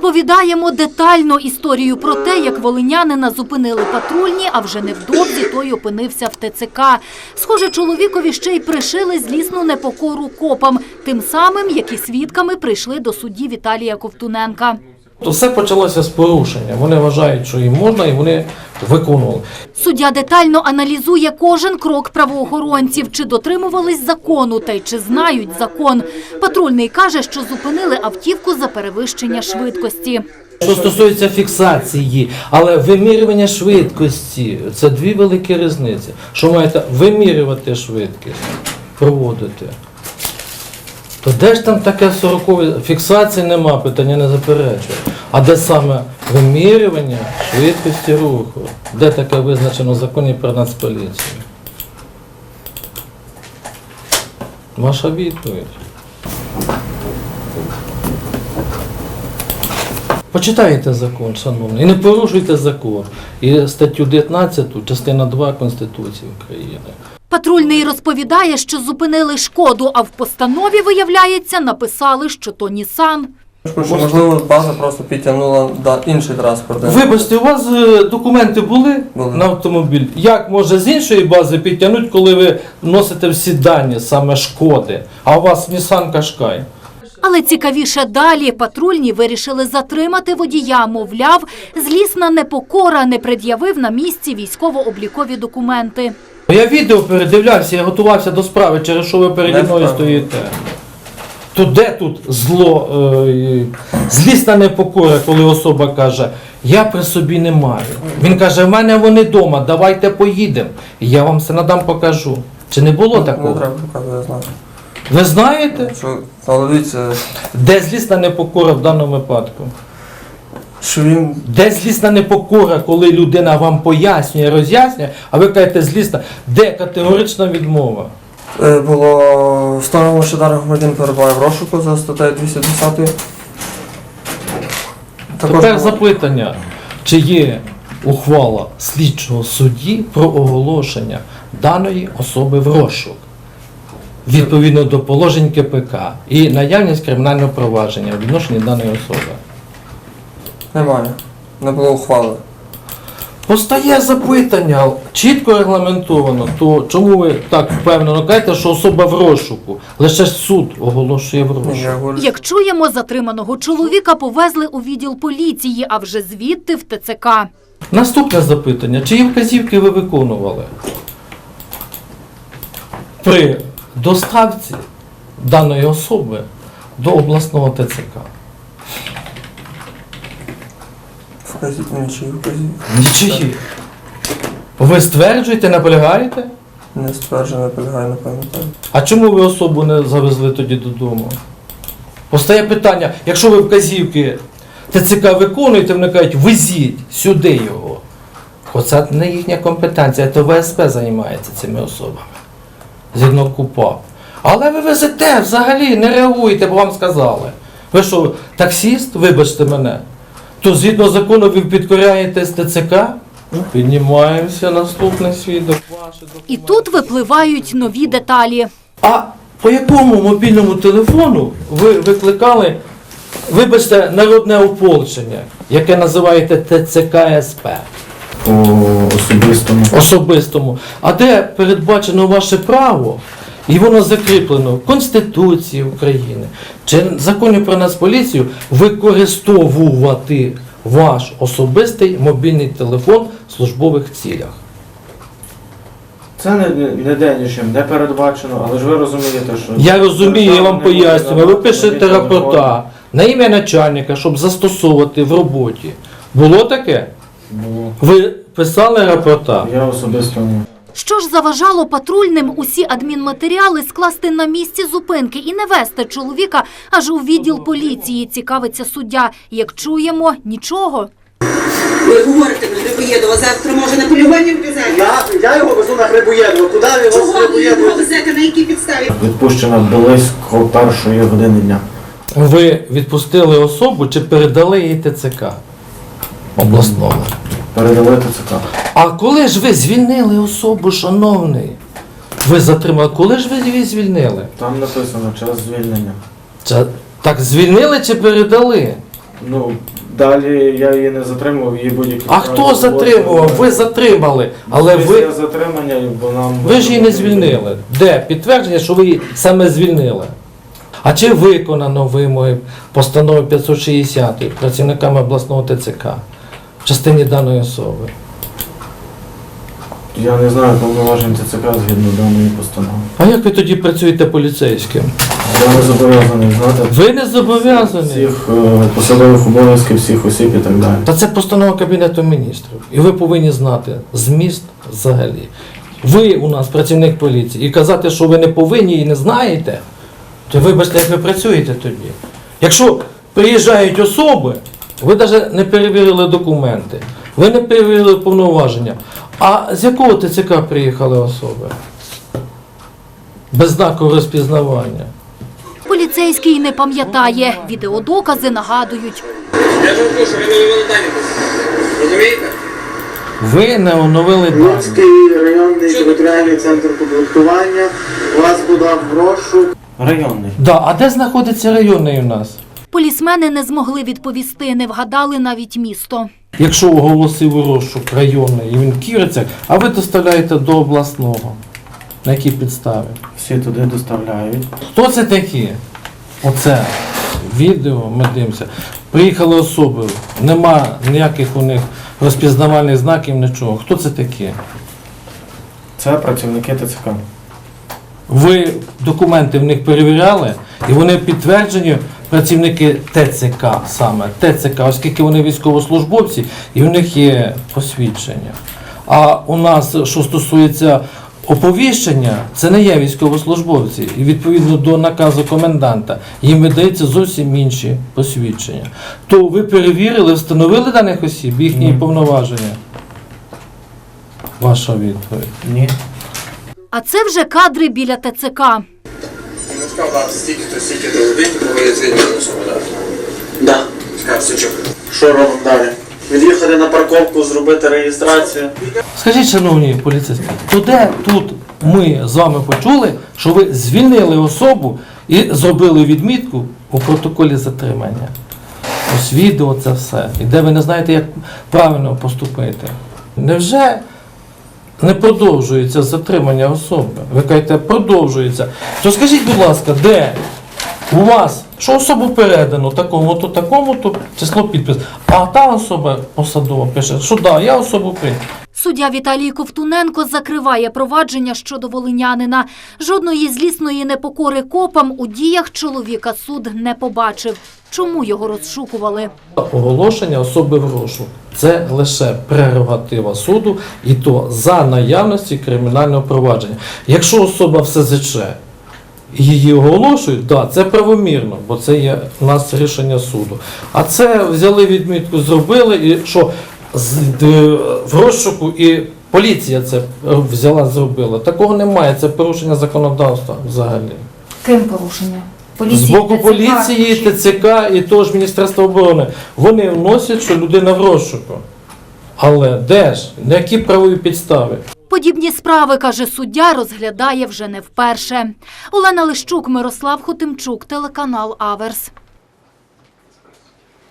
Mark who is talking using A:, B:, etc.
A: Розповідаємо детально історію про те, як волинянина зупинили патрульні, а вже невдовзі той опинився в ТЦК. Схоже, чоловікові ще й пришили злісну непокору копам, тим самим, як і свідками прийшли до судді Віталія Ковтуненка.
B: То все почалося з порушення. Вони вважають, що їм можна, і вони виконували.
A: Суддя детально аналізує кожен крок правоохоронців, чи дотримувались закону та й чи знають закон. Патрульний каже, що зупинили автівку за перевищення швидкості.
B: Що стосується фіксації, але вимірювання швидкості – це дві великі різниці. Що маєте вимірювати швидкість, проводити. То де ж там таке 40-ве? Фіксації нема, питання не заперечує. А де саме вимірювання швидкості руху? Де таке визначено в законі про Нацполіцію? Ваша відповідь. Почитайте закон, шановні, і не порушуйте закон. І статтю 19, частина 2 Конституції України.
A: Патрульний розповідає, що зупинили «Шкоду», а в постанові, виявляється, написали, що то «Нісан».
C: Можливо, база просто підтягнула інший транспорт.
B: Вибачте, у вас документи були на автомобіль? Як може з іншої бази підтягнути, коли ви носите всі дані, саме «Шкоди», а у вас Nissan Qashqai?
A: Але цікавіше далі. Патрульні вирішили затримати водія. Мовляв, злісна непокора, не пред'явив на місці військово-облікові документи.
B: Я відео передивлявся, я готувався до справи, через що ви переді мною стоїте. То де тут зло, злісна непокора, коли особа каже, я при собі не маю. Він каже, в мене вони вдома, давайте поїдемо. І я вам все надам покажу. Чи не було такого?
C: Не треба показувати, я знаю.
B: Ви знаєте?
C: Але дивіться,
B: де злісна непокора в даному випадку?
C: що він...
B: Де злісна непокора, коли людина вам пояснює, роз'яснює, а ви кажете злісна? Де категорична відмова?
C: Було встановлено, що даний громадянин перебуває в розшуку за статтею 210.
B: Тепер запитання, чи є ухвала слідчого судді про оголошення даної особи в розшук, відповідно до положень КПК і наявність кримінального провадження у відношенні даної особи?
C: Немає. Не було ухвали.
B: Постає запитання, чітко регламентовано, то чому ви так впевнено кажете, що особа в розшуку? Лише суд оголошує в розшук.
A: Як чуємо, затриманого чоловіка повезли у відділ поліції, а вже звідти в ТЦК.
B: Наступне запитання, чиї вказівки ви виконували при доставці даної особи до обласного ТЦК?
C: Нічиї вказівки.
B: Нічиї. Ви стверджуєте, наполягаєте?
C: Не стверджую, не полягаю, не пам'ятаю.
B: А чому ви особу не завезли тоді додому? Постає питання, якщо ви вказівки ТЦК виконуєте, вони кажуть, везіть сюди його. Оце не їхня компетенція, то ВСП займається цими особами. Згідно КУПАП. Але ви везете, взагалі не реагуєте, бо вам сказали. Ви що, таксіст, вибачте мене? То згідно закону ви підкоряєтесь ТЦК? Піднімаємося, наступний свідок.
A: І тут випливають нові деталі.
B: А по якому мобільному телефону ви викликали, вибачте, народне ополчення, яке називаєте ТЦК СП?
D: По особистому.
B: Особистому. А де передбачено ваше право, і воно закріплено в Конституції України, чи в Законі про Нацполіцію, використовувати ваш особистий мобільний телефон в службових цілях?
D: Це ніде нічим не передбачено, але ж ви розумієте, що...
B: Я розумію, я вам пояснюю. Ви пишете рапорта на ім'я начальника, щоб застосовувати в роботі. Було таке?
D: Було.
B: Ви писали рапорта?
D: Я особисто не.
A: Що ж заважало патрульним усі адмінматеріали скласти на місці зупинки і не вести чоловіка аж у відділ поліції, цікавиться суддя. Як чуємо, нічого.
E: Ви говорите про Грибоєдова, завтра може на полювання вказати?
F: Я його везу на Грибоєдова. Куди ви його
E: Чого ви його везете, на якій підставі?
D: Відпущена близько 1:00 години дня.
B: Ви відпустили особу чи передали їй ТЦК обласного?
D: Передали ТЦК.
B: А коли ж ви звільнили особу, шановний? Ви затримали, коли ж ви її звільнили?
D: Там написано час звільнення.
B: Так звільнили чи передали?
D: Ну, далі я її не затримував, її будь-які...
B: А хто затримував? Ви затримали, але ви...
D: Після затримання, бо нам...
B: Ви ж її не звільнили. Де підтвердження, що ви її саме звільнили? А чи виконано вимоги постанови 560 працівниками обласного ТЦК в частині даної особи?
D: Я не знаю повноважень ТЦК згідно даної постанови.
B: А як ви тоді працюєте поліцейським?
D: Я не зобов'язаний знати
B: Ви не зобов'язані.
D: всіх посадових обов'язків, всіх осіб і так далі.
B: Та це постанова Кабінету міністрів. І ви повинні знати зміст взагалі. Ви у нас працівник поліції. І казати, що ви не повинні і не знаєте, то вибачте, як ви працюєте тоді. Якщо приїжджають особи, ви навіть не перевірили документи, ви не перевірили повноваження. А з якого ТЦК приїхали особи? Без знаку розпізнавання.
A: Поліцейський не пам'ятає. Відеодокази нагадують.
F: Я ж вам кажу, ви не вивели дані. Розумієте?
B: Ви не оновили дані.
F: Луцький районний територіальний центр комплектування вас подав в розшук.
D: Районний.
B: Да, а де знаходиться районний у нас?
A: Полісмени не змогли відповісти, не вгадали навіть місто.
B: Якщо оголосив у розшук районний і він в Ківерцях, а ви доставляєте до обласного. На якій підставі?
D: Всі туди доставляють.
B: Хто це такі? Оце відео ми дивимося. Приїхали особи, нема ніяких у них розпізнавальних знаків, нічого. Хто це такі?
D: Це працівники ТЦК.
B: Ви документи в них перевіряли, і вони підтверджені, працівники ТЦК саме, ТЦК, оскільки вони військовослужбовці, і в них є посвідчення. А у нас, що стосується оповіщення, це не є військовослужбовці. І відповідно до наказу коменданта їм видаються зовсім інші посвідчення. То ви перевірили, встановили даних осіб, їхні повноваження? Ваша відповідь.
D: Ні.
A: А це вже кадри біля ТЦК.
G: Ну, сказав, стільки-то годин, коли звільнили особу, так?
F: Да.
G: Сказав, все чого.
F: Що робимо далі? Від'їхати на парковку, зробити реєстрацію.
B: Скажіть, шановні поліцейські, то де тут ми з вами почули, що ви звільнили особу і зробили відмітку у протоколі затримання? Ось відео це все. І де ви не знаєте, як правильно поступити. Невже не продовжується затримання особи? Ви кажете, продовжується. То скажіть, будь ласка, де у вас, що особу передано такому-то, число підпис, а та особа посадова пише, що да, я особу прийняв.
A: Суддя Віталій Ковтуненко закриває провадження щодо волинянина. Жодної злісної непокори копам у діях чоловіка суд не побачив. Чому його розшукували?
B: Оголошення особи в розшук – це лише прерогатива суду, і то за наявності кримінального провадження. Якщо особа в СЗЧ, її оголошують, да, це правомірно, бо це є у нас рішення суду. А це взяли відмітку, зробили, і що в розшуку і поліція це взяла, зробила. Такого немає, це порушення законодавства взагалі.
H: Ким порушення?
B: З боку поліції, ТЦК і того ж Міністерства оборони. Вони вносять, що людина в розшуку. Але де ж? На які правові підстави?
A: Подібні справи, каже суддя, розглядає вже не вперше. Олена Лищук, Мирослав Хотимчук, телеканал Аверс.